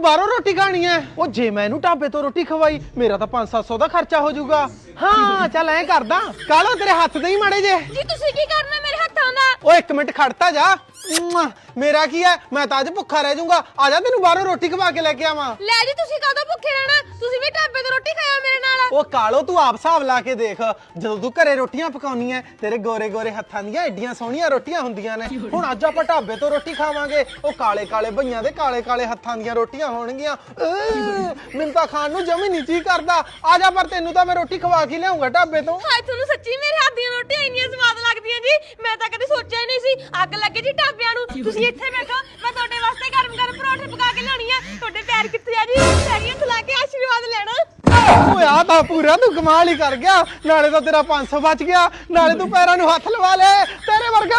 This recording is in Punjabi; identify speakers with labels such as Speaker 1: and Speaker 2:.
Speaker 1: ਬਾਹਰੋਂ ਰੋਟੀ ਖਾਣੀ ਹੈ? ਉਹ ਜੇ ਮੈਂ ਇਹਨੂੰ ਢਾਬੇ ਤੋਂ ਰੋਟੀ ਖਵਾਈ ਮੇਰਾ ਤਾਂ 500-700 ਦਾ ਖਰਚਾ ਹੋ ਜਾਊਗਾ। ਹਾਂ ਚੱਲ ਐਂ ਕਰਦਾ, ਕਾਲੋ ਤੇਰੇ ਹੱਥ ਦੇ ਹੀ ਮਾੜੇ ਜੇ।
Speaker 2: ਜੀ ਤੁਸੀਂ ਕੀ ਕਰਨਾ ਮੇਰੇ ਹੱਥਾਂ ਦਾ?
Speaker 1: ਓਏ 1 ਮਿੰਟ ਖੜਤਾ ਜਾ। ਮੇਰਾ ਕੀ ਹੈ, ਮੈਂ ਤਾਂ ਅੱਜ ਭੁੱਖਾ ਰਹਿ ਜਾਊਂਗਾ। ਆ ਜਾ ਤੈਨੂੰ ਬਾਹਰੋਂ ਰੋਟੀ ਖਵਾ ਕੇ ਲੈ ਕੇ ਆਵਾਂ।
Speaker 2: ਲੈ ਜੀ ਤੁਸੀਂ ਕਾਹਦੋਂ ਭੁੱਖੇ ਰਹਿਣਾ? ਤੁਸੀਂ ਵੀ ਢਾਬੇ ਤੋਂ ਰੋਟੀ ਖਾਇਓ ਮੇਰੇ ਨਾਲ।
Speaker 1: ਉਹ ਕਾਲੋ ਤੂੰ ਆਪ ਹਿਸਾਬ ਲਾ ਕੇ ਦੇਖ, ਜਦੋਂ ਤੂੰ ਘਰੇ ਰੋਟੀਆਂ ਪਕਾਉਣੀ ਐ ਤੇਰੇ ਗੋਰੇ ਗੋਰੇ ਹੱਥਾਂ ਦੀਆਂ ਐਡੀਆਂ ਸੋਹਣੀਆਂ ਰੋਟੀਆਂ ਹੁੰਦੀਆਂ ਨੇ। ਹੁਣ ਅੱਜ ਆਪਾਂ ਢਾਬੇ ਤੋਂ ਰੋਟੀ ਖਾਵਾਂਗੇ, ਉਹ ਕਾਲੇ ਕਾਲੇ ਭਈਆਂ ਦੇ ਕਾਲੇ ਕਾਲੇ ਹੱਥਾਂ ਦੀਆਂ ਰੋਟੀਆਂ ਹੋਣਗੀਆਂ। ਮੈਨੂੰ ਤਾਂ ਖਾਣ ਨੂੰ ਜਮੀ ਨਹੀਂ ਜੀ ਕਰਦਾ। ਆ ਜਾ, ਪਰ ਤੈਨੂੰ ਤਾਂ ਮੈਂ ਰੋਟੀ ਖਵਾ ਕੇ ਲਿਆਉਂਗਾ ਢਾਬੇ ਤੋਂ।
Speaker 2: ਹਾਏ ਤੁਹਾਨੂੰ ਸੱਚੀ ਮੇਰੇ ਹੱਥ ਦੀਆਂ ਰੋਟੀਆਂ ਇੰਨੀਆਂ ਸਵਾਦ ਲੱਗਦੀਆਂ ਜੀ, ਮੈਂ ਤਾਂ ਕਦੇ ਸੋਚਿਆ ਹੀ ਨਹੀਂ ਸੀ। ਅੱਗ ਲੱਗੇ ਜੀ ਢਾਬਿਆਂ ਨੂੰ। ਤੁਸੀਂ ਇੱਥੇ ਬੈਠੋ, ਮੈਂ ਤੁਹਾਡੇ ਵਾਸਤੇ ਗਰਮ ਗਰਮ ਪਰੌਂਠੇ ਪਕਾ ਕੇ ਲਿਆਉਣੀ ਆ। ਤੁਹਾਡੇ ਪੈਰ ਕਿੱਥੇ ਆ ਜੀ? ਪੈਰੀਆਂ ਖਿਲਾ ਕੇ ਆਸ਼ੀਰਵਾਦ ਲੈਣਾ।
Speaker 1: ਓਏ ਆ ਤਾਂ ਪੂਰਾ ਤੂੰ ਕਮਾਲ ਹੀ ਕਰ ਗਿਆ। ਨਾਲੇ ਤਾਂ ਤੇਰਾ 500 ਬਚ ਗਿਆ, ਨਾਲੇ ਤੂੰ ਪੈਰਾਂ ਨੂੰ ਹੱਥ ਲਵਾ ਲੈ। ਤੇਰੇ ਵਰਗਾ